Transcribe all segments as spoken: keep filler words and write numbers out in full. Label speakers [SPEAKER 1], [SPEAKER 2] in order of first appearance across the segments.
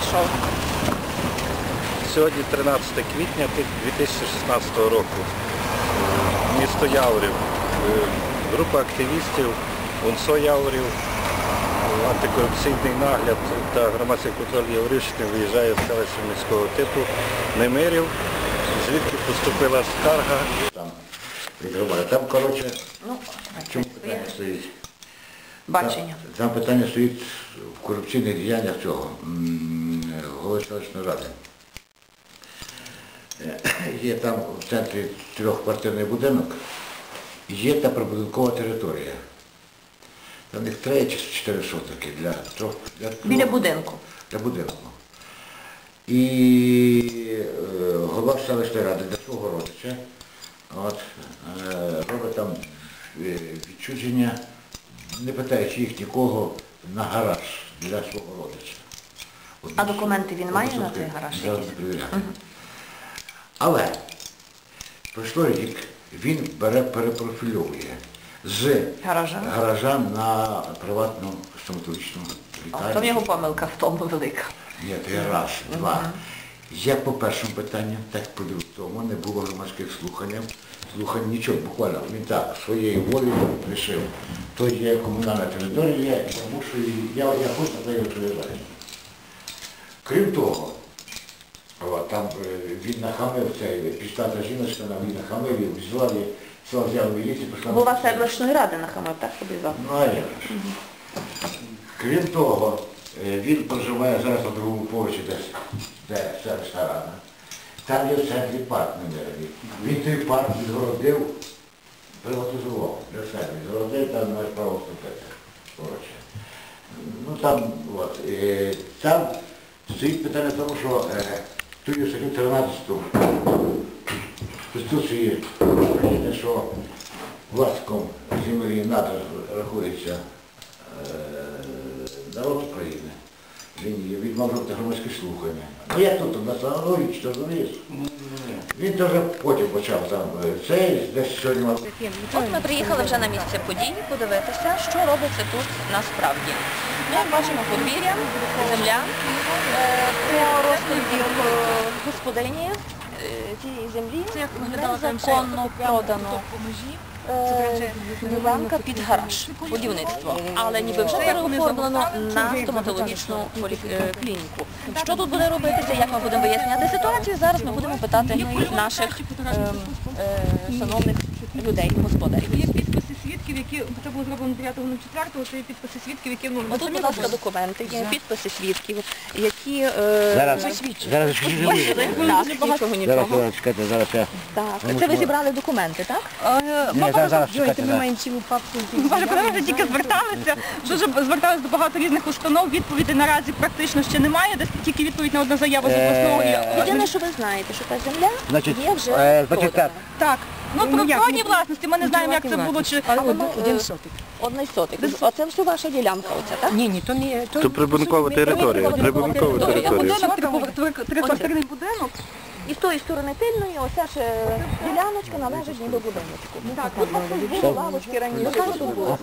[SPEAKER 1] прийшов?
[SPEAKER 2] Сьогодні тринадцяте квітня дві тисячі шістнадцятого року. Місто Яворів. Група активістів УНСО Яворів, антикорупційний нагляд та громадський контроль Яворівщини виїжджає з селища міського типу Немирів, звідки поступила скарга.
[SPEAKER 3] Там, там коротше,
[SPEAKER 1] Ну,
[SPEAKER 3] чому питання стоїть?
[SPEAKER 1] бачення.
[SPEAKER 3] Там, там питання стоїть в корупційних діяннях цього, м, голови селищної ради. Є там в центрі трьохквартирний будинок, є та прибудинкова територія. Там їх три чи чотири сотки для трьох. Для трьох,
[SPEAKER 1] Біля будинку.
[SPEAKER 3] Для будинку. І е, голова селищної ради для свого родича от, е, робить там е, відчуження, не питаючи їх нікого, на гараж для свого родича. От,
[SPEAKER 1] А документи він має
[SPEAKER 3] от,
[SPEAKER 1] на цей гараж?
[SPEAKER 3] зараз
[SPEAKER 1] якісь?
[SPEAKER 3] перевіряти. Але пройшло рік, він бере, перепрофільовує з
[SPEAKER 1] Гаража?
[SPEAKER 3] гаража на приватну стоматологічну
[SPEAKER 1] О,
[SPEAKER 3] лікарню.
[SPEAKER 1] то в його помилка в тому велика.
[SPEAKER 3] Ні, то є раз, два. Як по першому питанню, так і по другому. Не було громадських слухань. Слухань нічого, буквально. Він так, своєю волею вирішив. То є комунальна територія, і тому що я, я хочу на неї відповідаю. Крім того, от, там е, він нахамив, цей пістата жіночка, він нахамив, і взяла, взяла, взяла міліцію, пішла.
[SPEAKER 1] Голова селищної ради нахамив, так собі завтра?
[SPEAKER 3] Ну, а як же. Крім того, е, він проживає зараз на другому поверсі, десь, де селищна рада. Там є в центрі парк Немирові. Він той парк відгородив, приватизував для себе. Відгородив, там маєш право вступити. Коротше. Ну там, от, е, там стоїть питання в тому, що е, тут є статтю тринадцяту Конституції України, що власником землі надр рахується е, народ України. Він, він мав робити громадські слухання. Ну як тут, на Станові, що розумієш? Він теж потім почав там цей, десь сьогодні мав.
[SPEAKER 1] От ми приїхали вже на місце подій подивитися, що робиться тут насправді. Ми як бачимо подвір'я, земля, е, по розкладі господині е, цієї землі незаконно продано е, ділянка під гараж, будівництво, але ніби вже переоформлено на стоматологічну полі- е, клініку. Що тут буде робитися, як ми будемо виясняти ситуацію, зараз ми будемо питати наших е, е, шановних людей, господарів.
[SPEAKER 4] Є підписи свідків, які, це було зроблено дев'ятого четвертого, це є підписи свідків, які, ну,
[SPEAKER 1] Ось тут, будь ласка, документи, є підписи свідків, які е,
[SPEAKER 3] Зараз,
[SPEAKER 1] засвідчують.
[SPEAKER 3] зараз
[SPEAKER 1] Так, нічого,
[SPEAKER 3] Зараз,
[SPEAKER 1] нічого.
[SPEAKER 3] зараз, чекайте, зараз я...
[SPEAKER 1] Так, це ви зібрали документи, так?
[SPEAKER 3] Ні, зараз, зараз, чекайте, зараз.
[SPEAKER 4] Боже, коли ми вже тільки зверталися, дуже зверталися до багато різних установ, відповідей наразі практично ще немає, десь тільки відповідь на одну заяву з обласного.
[SPEAKER 1] Єдине, що ви знаєте, що та земля
[SPEAKER 3] Значить,
[SPEAKER 1] є вже
[SPEAKER 3] е, значить так.
[SPEAKER 1] продана.
[SPEAKER 4] Так, ну про природні власності ми не знаємо, як це було, чи...
[SPEAKER 1] Але один сотик. Один сотик. Оце все ваша ділянка, оце, так?
[SPEAKER 5] Ні, ні, то не... То,
[SPEAKER 2] Це прибудинкова територія. Прибудинкова
[SPEAKER 4] Є
[SPEAKER 2] територія.
[SPEAKER 4] будинок, триквартирний будинок.
[SPEAKER 1] І з тої сторони тильної, оця ж е, діляночка належить ніби будиночку. Так, тут у було лавочки раніше, тут було.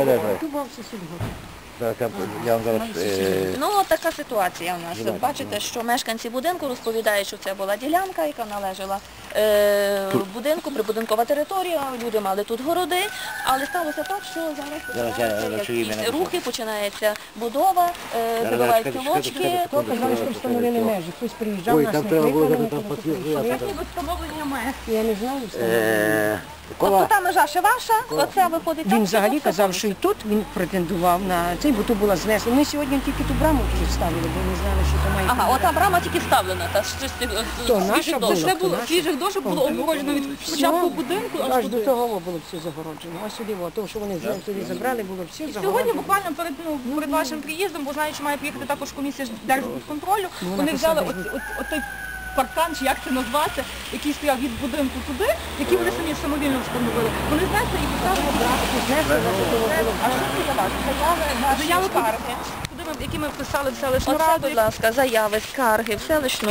[SPEAKER 3] Зараз я, я вам зараз... Е,
[SPEAKER 1] Ну, от така ситуація у нас. Бачите, що мешканці будинку розповідають, що це була ділянка, яка належала е, будинку, прибудинкова територія, люди мали тут городи, але сталося так, що зараз
[SPEAKER 3] Зараз я
[SPEAKER 1] починаються
[SPEAKER 3] напишу ім'я,
[SPEAKER 1] якісь
[SPEAKER 3] напишу.
[SPEAKER 1] рухи, починається будова, е,
[SPEAKER 3] Зараз,
[SPEAKER 1] забиваються
[SPEAKER 3] чекайте, чекайте,
[SPEAKER 1] лочки.
[SPEAKER 3] чекайте.
[SPEAKER 5] то казали, що встановили межі. Хтось приїжджав,
[SPEAKER 3] Ой,
[SPEAKER 5] нас
[SPEAKER 3] там
[SPEAKER 5] не
[SPEAKER 3] треба було
[SPEAKER 5] кликали,
[SPEAKER 3] там
[SPEAKER 5] ми просто
[SPEAKER 3] підписувати.
[SPEAKER 5] прийшли.
[SPEAKER 4] Як ніби встановлення має.
[SPEAKER 5] Я не знаю, встановили.
[SPEAKER 3] е,
[SPEAKER 1] Тобто
[SPEAKER 3] Кола,
[SPEAKER 1] та межа ще ваша, оце виходить.
[SPEAKER 5] Він
[SPEAKER 1] так,
[SPEAKER 5] взагалі
[SPEAKER 1] що
[SPEAKER 5] казав,
[SPEAKER 1] це
[SPEAKER 5] що і тут він претендував на цей, бо тут була знесена. Ми сьогодні тільки ту браму тут ставили, бо не знали, що то має.
[SPEAKER 1] Ага, ота брама тільки вставлена, та з чистих
[SPEAKER 5] То
[SPEAKER 1] з
[SPEAKER 5] наша
[SPEAKER 1] свіжих
[SPEAKER 5] була.
[SPEAKER 1] дошок.
[SPEAKER 4] Це було свіжих дошок, було обгороджено від початку будинку аж
[SPEAKER 5] Аж до
[SPEAKER 4] туди.
[SPEAKER 5] того було все загороджено. Ось сюди, о, то, що вони сюди забрали, було все
[SPEAKER 4] Сьогодні
[SPEAKER 5] загороджено.
[SPEAKER 4] буквально перед, ну, перед вашим приїздом, бо знаю, що має приїхати також комісія з держконтролю,
[SPEAKER 5] вона
[SPEAKER 4] вони взяли
[SPEAKER 5] посадила.
[SPEAKER 4] от, от, от той паркан, чи як це назвати, який стояв від будинку туди, який вони самі самовільно встановили. Вони знесли і поставили брати. А що це для вас? Заяви, заяви скарги, куди ми, які ми вписали в селищну
[SPEAKER 1] Оце,
[SPEAKER 4] раду.
[SPEAKER 1] будь ласка, заяви, скарги в селищну раду.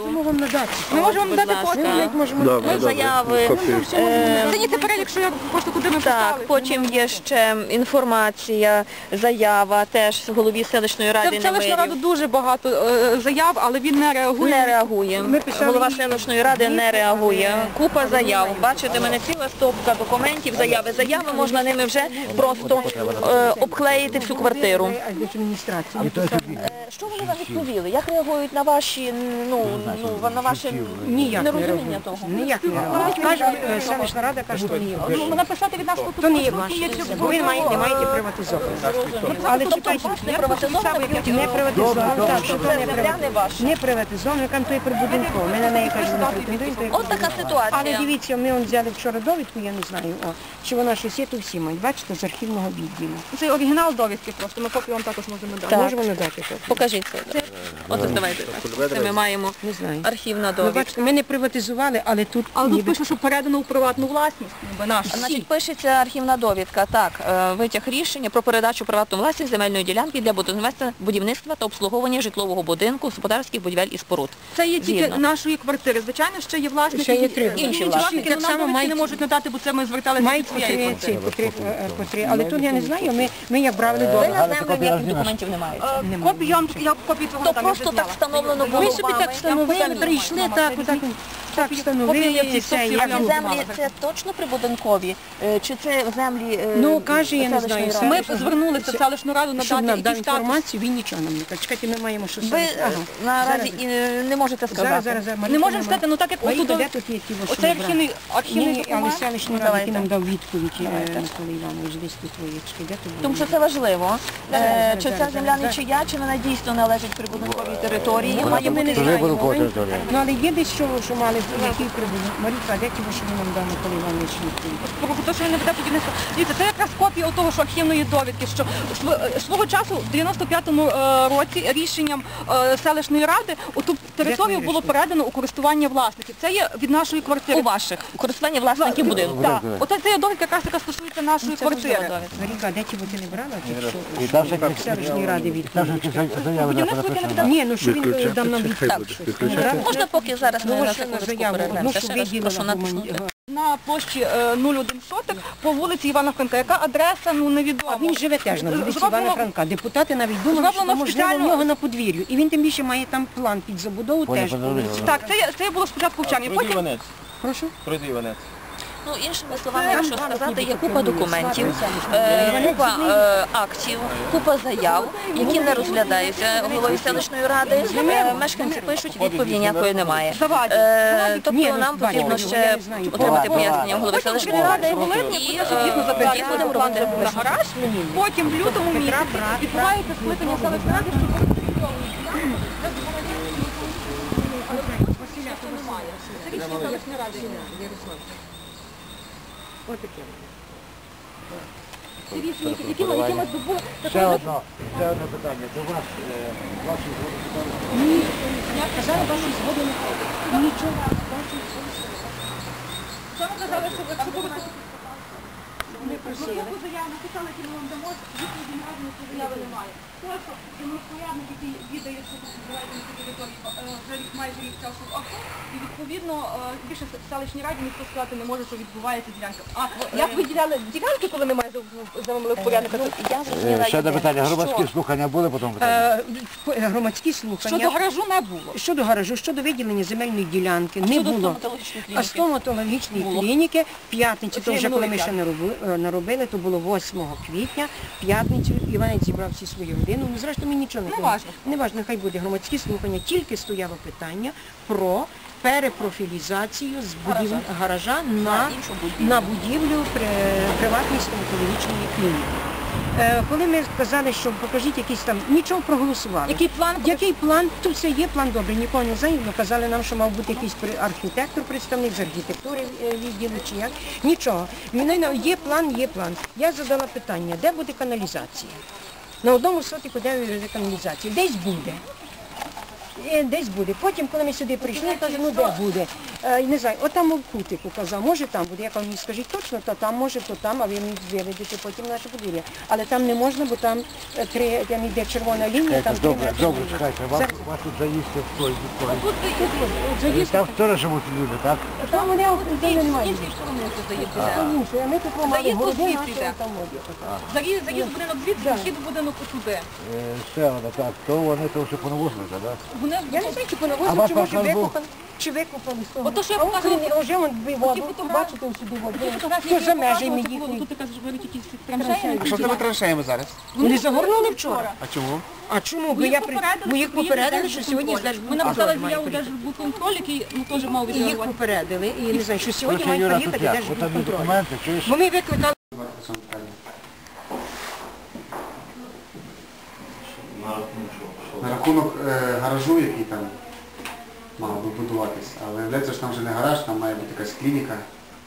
[SPEAKER 5] можемо вам надати.
[SPEAKER 4] Ми можемо
[SPEAKER 1] Будь
[SPEAKER 4] дати
[SPEAKER 1] ласка.
[SPEAKER 4] копію.
[SPEAKER 5] Ми навіть можемо
[SPEAKER 2] Добре,
[SPEAKER 1] Ми
[SPEAKER 2] добре.
[SPEAKER 1] заяви.
[SPEAKER 2] Копію.
[SPEAKER 1] Е,
[SPEAKER 4] Це не те перелік, що я просто куди ми
[SPEAKER 1] Так,
[SPEAKER 4] писали.
[SPEAKER 1] потім є ще інформація, заява, теж голові селищної ради
[SPEAKER 4] Це в селищну
[SPEAKER 1] Немирів.
[SPEAKER 4] раду дуже багато е, заяв, але він не реагує.
[SPEAKER 1] Не реагує.
[SPEAKER 5] Ми писали
[SPEAKER 1] Голова
[SPEAKER 5] їй-
[SPEAKER 1] селищної ради не реагує. Купа заяв. Бачите, в мене ціла стопка документів, заяви. Заяви можна ними вже просто е, обклеїти всю квартиру.
[SPEAKER 5] Адміністрації.
[SPEAKER 1] Е, Що вони вам відповіли? Як реагують на ваші, ну, ну на ваше
[SPEAKER 5] Ніяк не
[SPEAKER 1] нерозуміння
[SPEAKER 5] реагують.
[SPEAKER 1] того?
[SPEAKER 5] Ніяк не реагують. Каже, е, селищна рада каже, що не є ваше.
[SPEAKER 4] Ну, написати від нас тут
[SPEAKER 5] То не є
[SPEAKER 4] конструкції
[SPEAKER 5] ваше.
[SPEAKER 4] є, чи-
[SPEAKER 5] Бо ви маєте, не маєте приватизовувати. Але
[SPEAKER 1] Тобто
[SPEAKER 5] чекайте,
[SPEAKER 1] не приватизовано,
[SPEAKER 5] не приватизовано, так, що то не
[SPEAKER 1] земля не
[SPEAKER 5] приватизовано.
[SPEAKER 1] ваша.
[SPEAKER 5] Не приватизовано, яка то є прибудинково. Ми на неї кажемо, не претендуємо. то є
[SPEAKER 1] От така
[SPEAKER 5] прибудинково. Але
[SPEAKER 1] ситуація.
[SPEAKER 5] дивіться, ми он взяли вчора довідку, я не знаю, о, чи вона щось є, то всі мають. Бачите, з архівного відділу.
[SPEAKER 4] Це оригінал довідки просто, ми копію вам також можемо дати.
[SPEAKER 1] Так.
[SPEAKER 5] Можемо надати то?
[SPEAKER 1] Покажіть це. От давайте. Це ми маємо
[SPEAKER 5] Не знаю.
[SPEAKER 1] архівна
[SPEAKER 5] Ви
[SPEAKER 1] довідка.
[SPEAKER 5] бачите, ми не приватизували, але тут
[SPEAKER 4] Але тут
[SPEAKER 5] ніби-
[SPEAKER 4] пише, що передано у приватну власність, ніби наш.
[SPEAKER 1] Значить, пишеться архівна довідка. Так, е, витяг рішення про передачу приватну власність земельної ділянки для будівництва, будівництва та обслуговування житлового будинку, господарських будівель і споруд.
[SPEAKER 4] Це є тільки
[SPEAKER 1] Згідно.
[SPEAKER 4] нашої квартири. Звичайно, ще є власники.
[SPEAKER 5] Ще є
[SPEAKER 4] які-
[SPEAKER 5] три.
[SPEAKER 4] інші
[SPEAKER 1] Інші
[SPEAKER 4] власники,
[SPEAKER 5] Так
[SPEAKER 4] але
[SPEAKER 5] само
[SPEAKER 4] нам довідки
[SPEAKER 5] мають-
[SPEAKER 4] не можуть надати, бо це ми зверталися
[SPEAKER 5] мають
[SPEAKER 4] від
[SPEAKER 5] по
[SPEAKER 4] своєї
[SPEAKER 5] три,
[SPEAKER 4] квартири.
[SPEAKER 5] ці, по три, е, по три. Але тут я не знаю, ми, ми як брали
[SPEAKER 1] Ви
[SPEAKER 5] довідку.
[SPEAKER 1] на землю ніяких документів не маєте.
[SPEAKER 4] Е, Копію я вам я копію твого
[SPEAKER 1] То
[SPEAKER 4] там не
[SPEAKER 1] просто так
[SPEAKER 4] зняла.
[SPEAKER 1] встановлено було
[SPEAKER 5] Ми собі
[SPEAKER 1] вами.
[SPEAKER 5] так встановили,
[SPEAKER 1] Самі.
[SPEAKER 5] прийшли, так, так, так
[SPEAKER 4] Копія
[SPEAKER 5] встановили,
[SPEAKER 4] є в
[SPEAKER 5] і
[SPEAKER 4] цій
[SPEAKER 5] це,
[SPEAKER 4] стопці,
[SPEAKER 5] як
[SPEAKER 4] я
[SPEAKER 1] Ці
[SPEAKER 4] вам
[SPEAKER 1] землі це точно прибудинкові? Е, Чи це землі е,
[SPEAKER 5] Ну, каже, я не
[SPEAKER 1] селищної
[SPEAKER 5] знаю,
[SPEAKER 1] ради?
[SPEAKER 4] Ми звернулися в селищну раду
[SPEAKER 5] щоб
[SPEAKER 4] надати
[SPEAKER 5] нам дав
[SPEAKER 4] якийсь статус.
[SPEAKER 5] інформацію, він нічого нам не каже. Чекайте, ми маємо що
[SPEAKER 1] Ви
[SPEAKER 5] саме.
[SPEAKER 1] е, наразі і не не можете
[SPEAKER 5] Зараз,
[SPEAKER 1] сказати.
[SPEAKER 5] зараз, зараз.
[SPEAKER 4] Не можемо сказати, ну так як
[SPEAKER 5] Маріка,
[SPEAKER 4] отут
[SPEAKER 5] де тут є ті, що
[SPEAKER 4] оце
[SPEAKER 5] ми брали?
[SPEAKER 4] архівний, архівний
[SPEAKER 5] Ні, ні, але
[SPEAKER 4] документ.
[SPEAKER 5] селищний рад,
[SPEAKER 1] Давайте.
[SPEAKER 5] який нам дав відповідь, е, Микола Іванович, десь тут твоєчки, де тут
[SPEAKER 1] Тому що
[SPEAKER 5] було?
[SPEAKER 1] це важливо. Е,
[SPEAKER 5] зараз,
[SPEAKER 1] Чи ця
[SPEAKER 5] зараз,
[SPEAKER 1] земля не
[SPEAKER 5] зараз.
[SPEAKER 1] чия, чи вона дійсно належить прибудинковій території?
[SPEAKER 5] Ну,
[SPEAKER 1] Має
[SPEAKER 5] ми не
[SPEAKER 1] бути
[SPEAKER 5] знаємо. Ми- Ну, але є десь що, що мали, який прибудинок. Маріка, де ті, що він нам дав Микола Іванович відповідь?
[SPEAKER 4] Про те, що він не веде будівництво. Дивіться, це якраз копія того, що архівної довідки, що св- свого часу в дев'яносто п'ятому е, році рішенням е, селищної ради оту територію було передано у користування власників. Це є від нашої квартири.
[SPEAKER 1] у ваших у користуванні власників будинку.
[SPEAKER 4] Так, оце це є довідка, якраз яка стосується нашої
[SPEAKER 1] Це важлива
[SPEAKER 4] квартири.
[SPEAKER 1] довідка.
[SPEAKER 5] Маріка, де ті, бо ти не брала? Ті,
[SPEAKER 3] І там
[SPEAKER 5] що в селищній раді відповідь?
[SPEAKER 4] Будівництво яке не веде.
[SPEAKER 5] Ні, ну що він дав нам відповідь?
[SPEAKER 1] Можна поки зараз ми
[SPEAKER 5] Ну,
[SPEAKER 1] на
[SPEAKER 5] ось
[SPEAKER 1] секундочку
[SPEAKER 5] заяву, одну,
[SPEAKER 1] перервемося.
[SPEAKER 5] що
[SPEAKER 1] Ще раз прошу
[SPEAKER 5] виділила
[SPEAKER 1] натиснути.
[SPEAKER 4] На площі е, нуль один соток по вулиці Івана Франка. Яка адреса, ну невідомо.
[SPEAKER 5] А він живе теж на вулиці
[SPEAKER 4] Зроблено-
[SPEAKER 5] Івана Франка. Депутати навіть думали, що
[SPEAKER 4] Зроблено
[SPEAKER 5] можливо в
[SPEAKER 4] спеціально-
[SPEAKER 5] нього на подвір'ю. І він тим більше має там план під забудову теж. по вулиці.
[SPEAKER 4] Так, це, є- це було спочатку в Чарні.
[SPEAKER 6] Пройди
[SPEAKER 4] Потім
[SPEAKER 6] Іванець.
[SPEAKER 5] Прошу.
[SPEAKER 6] Пройди Іванець.
[SPEAKER 1] Ну, іншими словами, якщо сказати, є купа документів, е, купа е, актів, купа заяв, які не розглядаються головою селищної ради. Е, Мешканці пишуть, відповіді ніякої немає.
[SPEAKER 4] Завадять.
[SPEAKER 1] Е, Тобто
[SPEAKER 5] Ні, ну,
[SPEAKER 1] нам
[SPEAKER 5] бачите,
[SPEAKER 1] потрібно
[SPEAKER 5] я
[SPEAKER 1] ще
[SPEAKER 5] не знаю.
[SPEAKER 1] отримати
[SPEAKER 3] Буває.
[SPEAKER 1] пояснення голови
[SPEAKER 4] Потім
[SPEAKER 1] селищної
[SPEAKER 4] в
[SPEAKER 1] ради
[SPEAKER 4] липні,
[SPEAKER 1] і
[SPEAKER 4] і
[SPEAKER 1] е,
[SPEAKER 4] забрати
[SPEAKER 1] тоді будемо
[SPEAKER 4] план
[SPEAKER 1] робити
[SPEAKER 4] на гараж. Потім в лютому місяці відбувається скликання селищної ради, що якими якимось добу.
[SPEAKER 3] Ще одно, ще одне питання. До вас, е, ваші згоди.
[SPEAKER 5] Я казала, ваші згоди не ходить. Нічого.
[SPEAKER 4] Що ми казали, що якщо будете
[SPEAKER 5] Не просили.
[SPEAKER 4] таку заяву написали, які ми вам дамо, відповіді на разні ці заяви немає. Тому що демонструярник, який віддає, що тут збирається на цій території, е, вже рік, майже рік часу в АКО, і відповідно е, більше в селищній раді ніхто сказати не може, що відбувається ділянка. А як ви діляли ділянки, коли немає землевпорядника?
[SPEAKER 1] Я зрозуміла
[SPEAKER 3] Ще одне
[SPEAKER 1] єдине,
[SPEAKER 3] питання. Громадські
[SPEAKER 1] що
[SPEAKER 3] слухання були потім питання?
[SPEAKER 5] Е, Громадські слухання.
[SPEAKER 4] Щодо гаражу не було.
[SPEAKER 5] Щодо гаражу, щодо виділення земельної ділянки не
[SPEAKER 1] щодо
[SPEAKER 5] було.
[SPEAKER 1] стоматологічної
[SPEAKER 5] А
[SPEAKER 1] клініки.
[SPEAKER 5] стоматологічної
[SPEAKER 1] Було.
[SPEAKER 5] клініки в п'ятницю, то
[SPEAKER 4] Це
[SPEAKER 5] вже коли ми
[SPEAKER 4] минулий
[SPEAKER 5] ще не роби- е, не робили, то було восьмого квітня, в п'ятницю Іванець зібрав всі свої години. Ну, зрештою, ми нічого не
[SPEAKER 4] Не
[SPEAKER 5] робили.
[SPEAKER 4] важно.
[SPEAKER 5] Не важно, нехай буде громадські слухання. Тільки стояло питання про перепрофілізацію з будів... гаража на,
[SPEAKER 1] іншу будівлю.
[SPEAKER 5] на будівлю при... приватної стоматологічної клініки. Е, Коли ми сказали, що покажіть якийсь там, нічого проголосували.
[SPEAKER 4] Який план?
[SPEAKER 5] Який план? Тут все є план добрий, нікого не знаю. Казали нам, що мав бути якийсь при- архітектор, представник з архітектури е, відділу чи як. Нічого. Мене на- є план, є план. Я задала питання, де буде каналізація? На одному сотику де буде каналізація? Десь буде. Е, Десь буде. Потім, коли ми сюди прийшли, я кажу, ну де буде? е, не знаю, от там в кутику казав, може там буде, як ви мені скажіть точно, то там може, то там, а ви мені виведете потім наше подвір'я. Але там не можна, бо там е, три, там йде червона лінія, там три
[SPEAKER 3] Добре,
[SPEAKER 5] метри.
[SPEAKER 3] добре, чекайте, вас, вас тут заїсти в той, в той.
[SPEAKER 4] Тут
[SPEAKER 5] От заїзд,
[SPEAKER 3] Там теж живуть люди, так?
[SPEAKER 5] там вони автомобілі немає.
[SPEAKER 4] іншої сторони тут заїзд
[SPEAKER 5] Це
[SPEAKER 4] іде.
[SPEAKER 5] інше, а ми тут мали
[SPEAKER 4] Заїзд
[SPEAKER 5] городи,
[SPEAKER 4] звідси
[SPEAKER 5] наші
[SPEAKER 4] йде.
[SPEAKER 5] там воді.
[SPEAKER 4] Заїзд, заїзд будинок звідси, вхід в будинок отуди.
[SPEAKER 3] Е, Ще одна, так, то вони то вже понавозили, так?
[SPEAKER 4] Вони
[SPEAKER 5] Я не знаю, чи
[SPEAKER 3] А
[SPEAKER 5] понавозили,
[SPEAKER 3] вас
[SPEAKER 5] чи може
[SPEAKER 3] покажу.
[SPEAKER 5] викопали, чи викопали з того.
[SPEAKER 4] Ото, що я
[SPEAKER 5] А от
[SPEAKER 4] показувала,
[SPEAKER 5] вони вже вон дві воду,
[SPEAKER 4] фотографії-
[SPEAKER 5] бачите, ось сюди воду.
[SPEAKER 4] Ті фотографії,
[SPEAKER 5] Хто
[SPEAKER 4] які
[SPEAKER 5] за
[SPEAKER 4] я
[SPEAKER 5] межами
[SPEAKER 4] показувала,
[SPEAKER 5] їхні?
[SPEAKER 4] тут ти кажеш, беруть якісь траншеї.
[SPEAKER 6] Що з тими траншеями зараз?
[SPEAKER 5] Вони загорнули вчора.
[SPEAKER 6] А чому?
[SPEAKER 5] А чому? Бо
[SPEAKER 4] Ми
[SPEAKER 5] я
[SPEAKER 4] їх
[SPEAKER 5] при...
[SPEAKER 4] попередили,
[SPEAKER 5] Ми їх
[SPEAKER 4] що
[SPEAKER 5] попередили,
[SPEAKER 4] приїде
[SPEAKER 5] що сьогодні
[SPEAKER 4] Держбудконтроль.
[SPEAKER 5] Держбудконтроль
[SPEAKER 4] Ми написали
[SPEAKER 5] має
[SPEAKER 4] заяву
[SPEAKER 5] приїхати.
[SPEAKER 4] Держбудконтроль, який ну, теж мав
[SPEAKER 5] І їх
[SPEAKER 4] відреагувати.
[SPEAKER 5] попередили, і не знаю, що сьогодні
[SPEAKER 3] Короче,
[SPEAKER 5] мають
[SPEAKER 3] Юра, тут
[SPEAKER 5] приїхати
[SPEAKER 3] як? От там є
[SPEAKER 5] Держбудконтроль.
[SPEAKER 3] документи, чуєш?
[SPEAKER 5] Бо ми викликали.
[SPEAKER 6] На рахунок е, гаражу, який там мав би будуватись. Але виявляється, що там вже не гараж, там має бути якась клініка.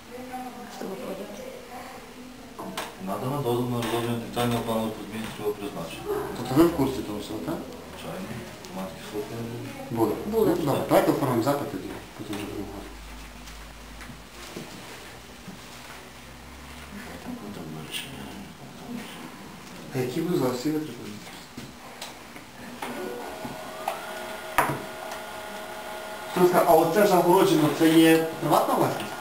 [SPEAKER 7] Надано дозвіл на розроблення детального плану по зміні цього призначення.
[SPEAKER 6] Тобто ви в курсі того всього, так?
[SPEAKER 7] Звичайно, громадські слухання.
[SPEAKER 6] Були.
[SPEAKER 1] Були.
[SPEAKER 6] Ну, добре, давайте оформимо запит тоді, потім вже будемо говорити. А які ви зараз всі витрати? А оце загороджено, це є приватна власність?